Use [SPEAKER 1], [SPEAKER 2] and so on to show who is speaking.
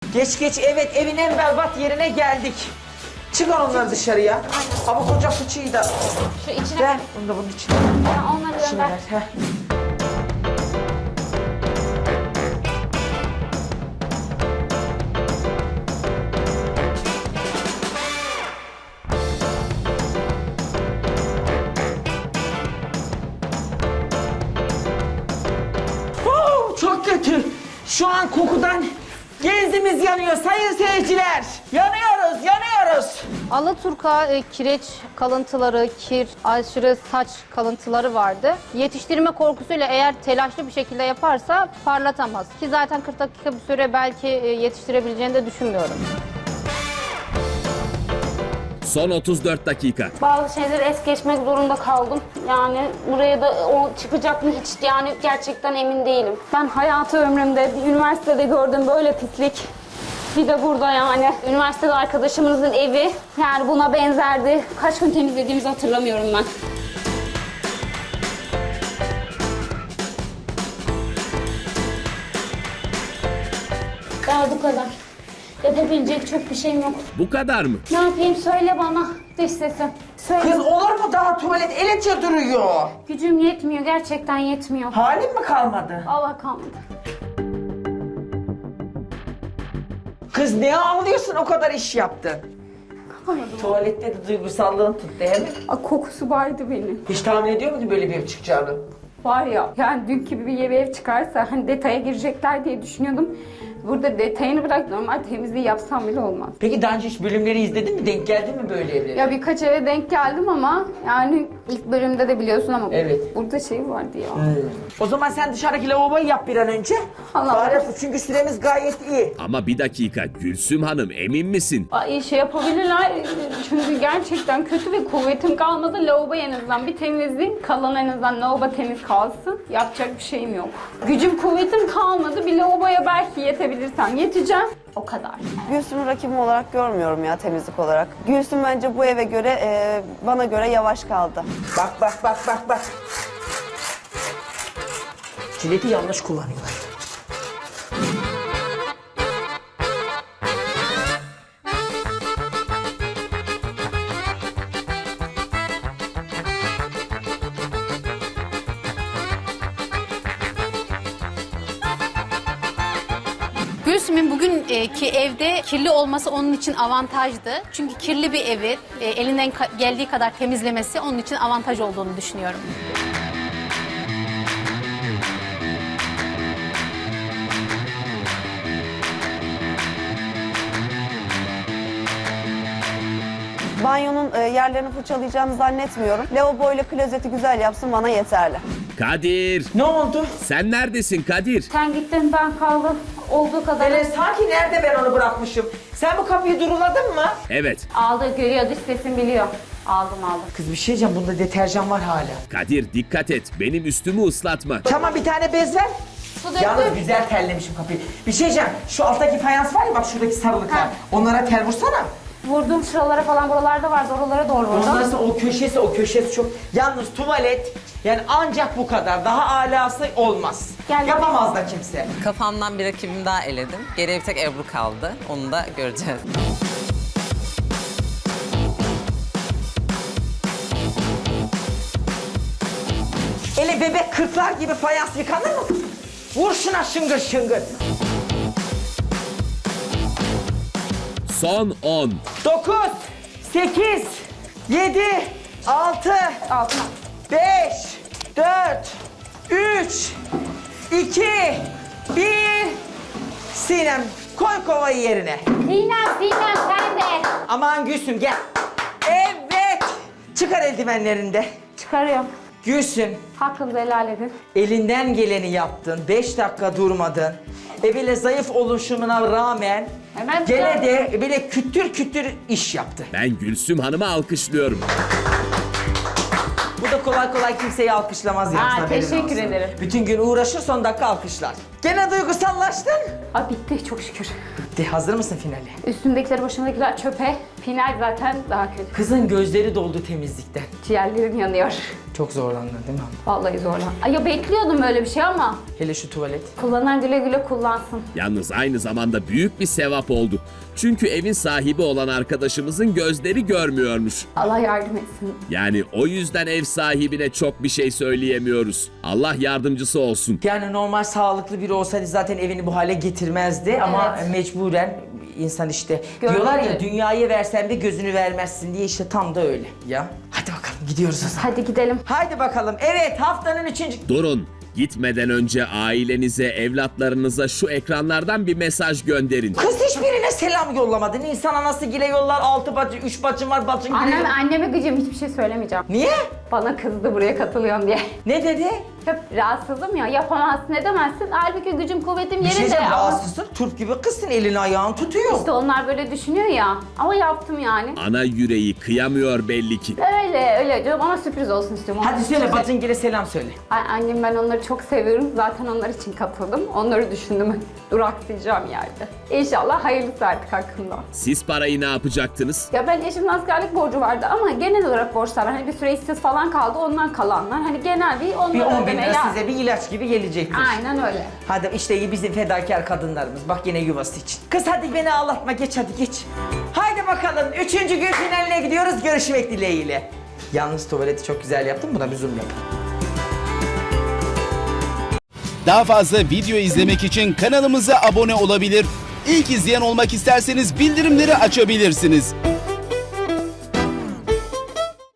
[SPEAKER 1] Geç geç, evet, evin en berbat yerine geldik. Çıkar onları dışarıya. Ama koca fıçıyı da
[SPEAKER 2] Şu içine...
[SPEAKER 1] ver. Onu da bunun içine.
[SPEAKER 2] Ha, onları
[SPEAKER 1] İçine
[SPEAKER 2] gönder.
[SPEAKER 1] ver. Heh. Çok kötü. Şu an kokudan genzimiz yanıyor sayın seyirciler. Yanıyoruz, yanıyoruz.
[SPEAKER 2] Alaturka kireç kalıntıları, kir, aşırı saç kalıntıları vardı. Yetiştirme korkusuyla eğer telaşlı bir şekilde yaparsa parlatamaz. Ki zaten 40 dakika bir süre belki yetiştirebileceğini de düşünmüyorum.
[SPEAKER 3] Son 34 dakika.
[SPEAKER 2] Bazı şeyleri es geçmek zorunda kaldım. Yani buraya da o çıkacak mı hiç yani gerçekten emin değilim. Ben hayatı ömrümde bir üniversitede gördüm böyle pislik. Bir de burada yani. Üniversitede arkadaşımızın evi yani buna benzerdi. Kaç gün temizlediğimizi hatırlamıyorum ben. Daha bu kadar. Yapabilecek çok bir şeyim yok.
[SPEAKER 3] Bu kadar mı?
[SPEAKER 2] Ne yapayım söyle bana dış sesim. Söyle.
[SPEAKER 1] Kız olur mu daha tuvalet eletçe duruyor.
[SPEAKER 2] Gücüm yetmiyor gerçekten yetmiyor.
[SPEAKER 1] Halin mi kalmadı?
[SPEAKER 2] Allah kalmadı.
[SPEAKER 1] Kız ne ağlıyorsun o kadar iş yaptın? Tuvalette de duygusallığın tuttu değil mi?
[SPEAKER 2] Kokusu vardı benim.
[SPEAKER 1] Hiç tahmin ediyor muydun böyle bir ev çıkacağını?
[SPEAKER 2] Var ya yani dün gibi bir ev çıkarsa hani detaya girecekler diye düşünüyordum. Burada detayını bırak normal temizliği yapsam bile olmaz.
[SPEAKER 1] Peki daha önce hiç bölümleri izledin mi? Denk geldin mi böyle evlere?
[SPEAKER 2] Ya birkaç eve denk geldim ama yani ilk bölümde de biliyorsun ama
[SPEAKER 1] Evet.
[SPEAKER 2] burada şey vardı ya.
[SPEAKER 1] O zaman sen dışarıdaki lavaboyu yap bir an önce.
[SPEAKER 2] Allah
[SPEAKER 1] Bari, çünkü süremiz gayet iyi.
[SPEAKER 3] Ama bir dakika Gülsüm Hanım emin misin?
[SPEAKER 2] Ay şey yapabilirler çünkü gerçekten kötü ve kuvvetim kalmadı. Lavabo en azından bir temizleyeyim. Kalan en azından lavabo temiz kalsın. Yapacak bir şeyim yok. Gücüm kuvvetim kalmadı. Bir lavaboya belki yetebilirsem yeteceğim. O kadar.
[SPEAKER 4] Gülsüm'ü rakibim olarak görmüyorum ya temizlik olarak. Gülsüm bence bu eve göre, bana göre yavaş kaldı.
[SPEAKER 1] Bak bak bak bak bak. Jileti yanlış kullanıyorlar.
[SPEAKER 5] Gülsüm'ün bugünkü evde kirli olması onun için avantajdı. Çünkü kirli bir evi elinden geldiği kadar temizlemesi onun için avantaj olduğunu düşünüyorum.
[SPEAKER 4] Banyonun yerlerini fırçalayacağını zannetmiyorum. Lavabo ile klozeti güzel yapsın bana yeterli.
[SPEAKER 3] Kadir!
[SPEAKER 1] Ne oldu?
[SPEAKER 3] Sen neredesin Kadir?
[SPEAKER 2] Sen gittin ben kaldım. Olduğu kadar
[SPEAKER 1] Hele sanki nerede ben onu bırakmışım? Sen bu kapıyı duruladın mı?
[SPEAKER 3] Evet.
[SPEAKER 2] aldı görüyor dış sesim biliyor. Aldım.
[SPEAKER 1] Kız bir şey diyeceğim, bunda deterjan var hala.
[SPEAKER 3] Kadir dikkat et benim üstümü ıslatma.
[SPEAKER 1] Tamam bir tane bez ver.
[SPEAKER 2] Su döktüm.
[SPEAKER 1] Yalnız güzel terlemişim kapıyı. Bir şey diyeceğim, şu alttaki fayans var ya bak şuradaki sarılıklar.
[SPEAKER 2] Ha.
[SPEAKER 1] Onlara tel vursana.
[SPEAKER 2] Vurdum şuralara falan buralarda vardı oralara doğru vurdum.
[SPEAKER 1] Ondan sonra o köşesi çok... Yalnız tuvalet yani ancak bu kadar. Daha alası olmaz.
[SPEAKER 2] Gel.
[SPEAKER 1] Yapamaz da kimse.
[SPEAKER 6] Kafamdan bir rakibimi daha eledim. Geriye bir tek Ebru kaldı. Onu da göreceğiz.
[SPEAKER 1] Ele bebek kırklar gibi fayans yıkanır mı? Vur şuna şıngır şıngır.
[SPEAKER 3] Son 10.
[SPEAKER 1] 9, 8, 7, 6,
[SPEAKER 2] Altına.
[SPEAKER 1] 5, 4, 3, 2, 1. Sinem koy kovayı yerine.
[SPEAKER 2] Sinem sen de.
[SPEAKER 1] Aman Gülsüm gel. Evet. Çıkar eldivenlerini de.
[SPEAKER 2] Çıkarıyorum.
[SPEAKER 1] Gülsüm
[SPEAKER 2] Hakkınızı helal edin.
[SPEAKER 1] elinden geleni yaptın. 5 dakika durmadın. Böyle zayıf oluşumuna rağmen
[SPEAKER 2] Hemen
[SPEAKER 1] gene
[SPEAKER 2] çıkar.
[SPEAKER 1] de böyle kütür kütür iş yaptı.
[SPEAKER 3] Ben Gülsüm Hanım'ı alkışlıyorum.
[SPEAKER 1] Bu da kolay kolay kimseyi alkışlamaz yalnız,
[SPEAKER 2] Aa,
[SPEAKER 1] haberin
[SPEAKER 2] teşekkür
[SPEAKER 1] olsun.
[SPEAKER 2] ederim.
[SPEAKER 1] Bütün gün uğraşır son dakika alkışlar. Gene duygusallaştın.
[SPEAKER 2] Aa, bitti çok şükür.
[SPEAKER 1] De hazır mısın finale?
[SPEAKER 2] Üstümdekiler başımdakiler çöpe. Final zaten daha kötü.
[SPEAKER 1] Kızın gözleri doldu temizlikten.
[SPEAKER 2] Ciğerlerim yanıyor.
[SPEAKER 7] Çok zorlandın değil mi?
[SPEAKER 2] Vallahi zorlan. Ay ya bekliyordum böyle bir şey ama
[SPEAKER 7] Hele şu tuvalet.
[SPEAKER 2] kullanan güle güle kullansın.
[SPEAKER 3] Yalnız aynı zamanda büyük bir sevap oldu. Çünkü evin sahibi olan arkadaşımızın gözleri görmüyormuş.
[SPEAKER 2] Allah yardım etsin.
[SPEAKER 3] Yani o yüzden ev sahibine çok bir şey söyleyemiyoruz. Allah yardımcısı olsun.
[SPEAKER 7] Yani normal sağlıklı biri olsaydı zaten evini bu hale getirmezdi ama mecburen insan işte diyorlar ya dünyayı versen de gözünü vermezsin diye işte tam da öyle ya. Hadi bakalım gidiyoruz o zaman.
[SPEAKER 2] Hadi gidelim.
[SPEAKER 1] Haydi bakalım. Evet, haftanın 3.
[SPEAKER 3] Durun. Gitmeden önce ailenize, evlatlarınıza şu ekranlardan bir mesaj gönderin.
[SPEAKER 1] Kız hiçbirine selam yollamadın. İnsan anası gile yollar, 6 bacı, 3 bacım var, bacın gile.
[SPEAKER 2] Anneme gıcım, hiçbir şey söylemeyeceğim.
[SPEAKER 1] Niye?
[SPEAKER 2] Bana kızdı buraya katılıyorum diye.
[SPEAKER 1] Ne dedi?
[SPEAKER 2] Hep rahatsızım ya, yapamazsın edemezsin. Halbuki gücüm kuvvetim
[SPEAKER 1] Bir şey
[SPEAKER 2] yerinde.
[SPEAKER 1] diyeceğim,
[SPEAKER 2] Ama
[SPEAKER 1] rahatsızsın. Turp gibi kızsın, elini ayağını tutuyor.
[SPEAKER 2] İşte onlar böyle düşünüyor ya. Ama yaptım yani.
[SPEAKER 3] Ana yüreği kıyamıyor belli ki.
[SPEAKER 2] Öyle diyorum ama sürpriz olsun istiyorum.
[SPEAKER 1] Hadi söyle, bacın gile selam söyle.
[SPEAKER 2] Annem, ben onları çok seviyorum. Zaten onlar için katıldım. Onları düşündüm. Duraksayacağım yerde. İnşallah hayırlısı artık hakkında.
[SPEAKER 3] Siz parayı ne yapacaktınız?
[SPEAKER 2] Ya ben eşimin askerlik borcu vardı ama genel olarak borçlar var. Hani bir süre işsiz falan kaldı, ondan kalanlar. Hani genel bir onları
[SPEAKER 1] Bir 10 bin
[SPEAKER 2] ödemeye
[SPEAKER 1] lira
[SPEAKER 2] ya-
[SPEAKER 1] size bir ilaç gibi gelecektir.
[SPEAKER 2] Aynen öyle.
[SPEAKER 1] Hadi işte bizim fedakar kadınlarımız. Bak yine yuvası için. Kız hadi beni ağlatma, geç hadi geç. Haydi bakalım 3. gün finaline gidiyoruz, görüşmek dileğiyle.
[SPEAKER 7] Yalnız tuvaleti çok güzel yaptın, buna bir zoom yap.
[SPEAKER 8] Daha fazla video izlemek için kanalımıza abone olabilir. İlk izleyen olmak isterseniz bildirimleri açabilirsiniz.